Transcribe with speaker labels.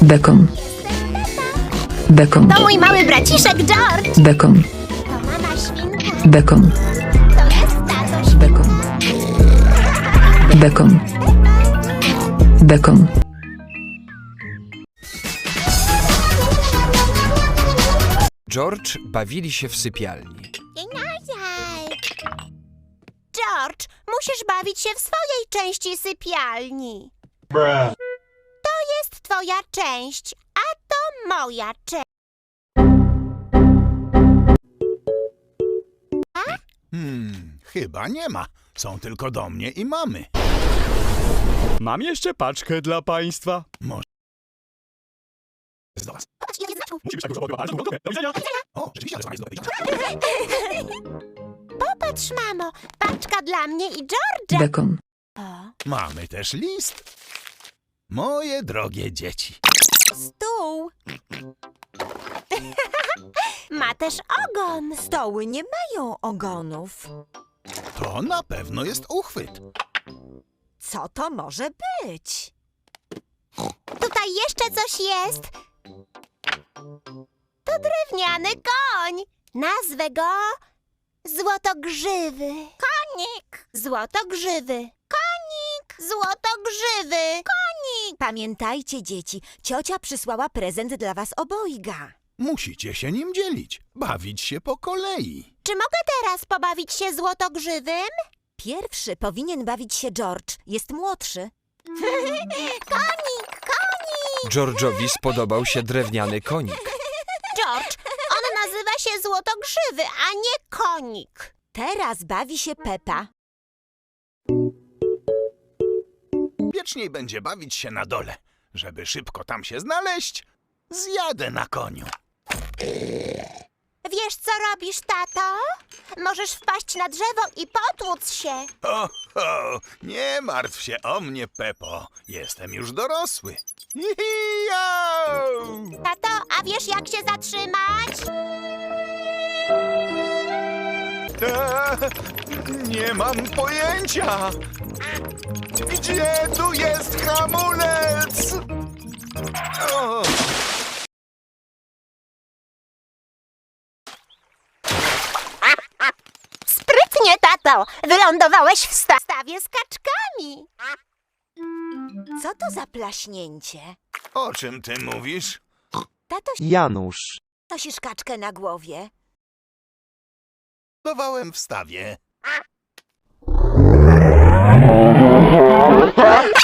Speaker 1: Bekon. Bekon.
Speaker 2: To mój mały braciszek George.
Speaker 1: Bekon.
Speaker 2: To mama świnka.
Speaker 1: Bekon.
Speaker 2: To jest tatoś.
Speaker 1: Bekon. Bekon. Bekon.
Speaker 3: George bawili się w sypialni.
Speaker 2: George, musisz bawić się w swojej części sypialni. To jest twoja część, a to moja część.
Speaker 4: Chyba nie ma. Są tylko do mnie i mamy.
Speaker 5: Mam jeszcze paczkę dla państwa.
Speaker 4: Z do was.
Speaker 2: Chodź, ile znaczków.
Speaker 5: Musimy się tak do widzenia.
Speaker 4: O, rzeczywiście, ale sama jest do wyjścia.
Speaker 2: Popatrz, mamo, paczka dla mnie i George'a.
Speaker 1: Bekon.
Speaker 4: Mamy też list. Moje drogie dzieci.
Speaker 2: Stół. Ma też ogon.
Speaker 6: Stoły nie mają ogonów.
Speaker 4: To na pewno jest uchwyt.
Speaker 6: Co to może być?
Speaker 2: Tutaj jeszcze coś jest. To drewniany koń. Nazwę go Złotogrzywy. Konik. Złotogrzywy. Konik. Złotogrzywy. Konik.
Speaker 6: Pamiętajcie, dzieci, ciocia przysłała prezent dla was obojga.
Speaker 4: Musicie się nim dzielić. Bawić się po kolei.
Speaker 2: Czy mogę teraz pobawić się Złotogrzywym?
Speaker 6: Pierwszy powinien bawić się George, jest młodszy.
Speaker 2: Konik, konik.
Speaker 3: George'owi spodobał się drewniany konik.
Speaker 2: George, on nazywa się Złotogrzywy, a nie konik.
Speaker 6: Teraz bawi się Pepa.
Speaker 4: Wieczniej będzie bawić się na dole. Żeby szybko tam się znaleźć, zjadę na koniu.
Speaker 2: Wiesz, co robisz, tato? Możesz wpaść na drzewo i potłuc się.
Speaker 4: Ho, nie martw się o mnie, Pepo. Jestem już dorosły. Hi-hi-jau!
Speaker 2: Tato, a wiesz, jak się zatrzymać?
Speaker 4: Nie mam pojęcia. Gdzie tu jest hamulec? O!
Speaker 2: Sprytnie, tato. Wylądowałeś w stawie z kaczkami.
Speaker 6: Co to za plaśnięcie?
Speaker 4: O czym ty mówisz?
Speaker 6: Tato,
Speaker 7: Janusz.
Speaker 6: nosisz kaczkę na głowie.
Speaker 4: Dawałem w stawie.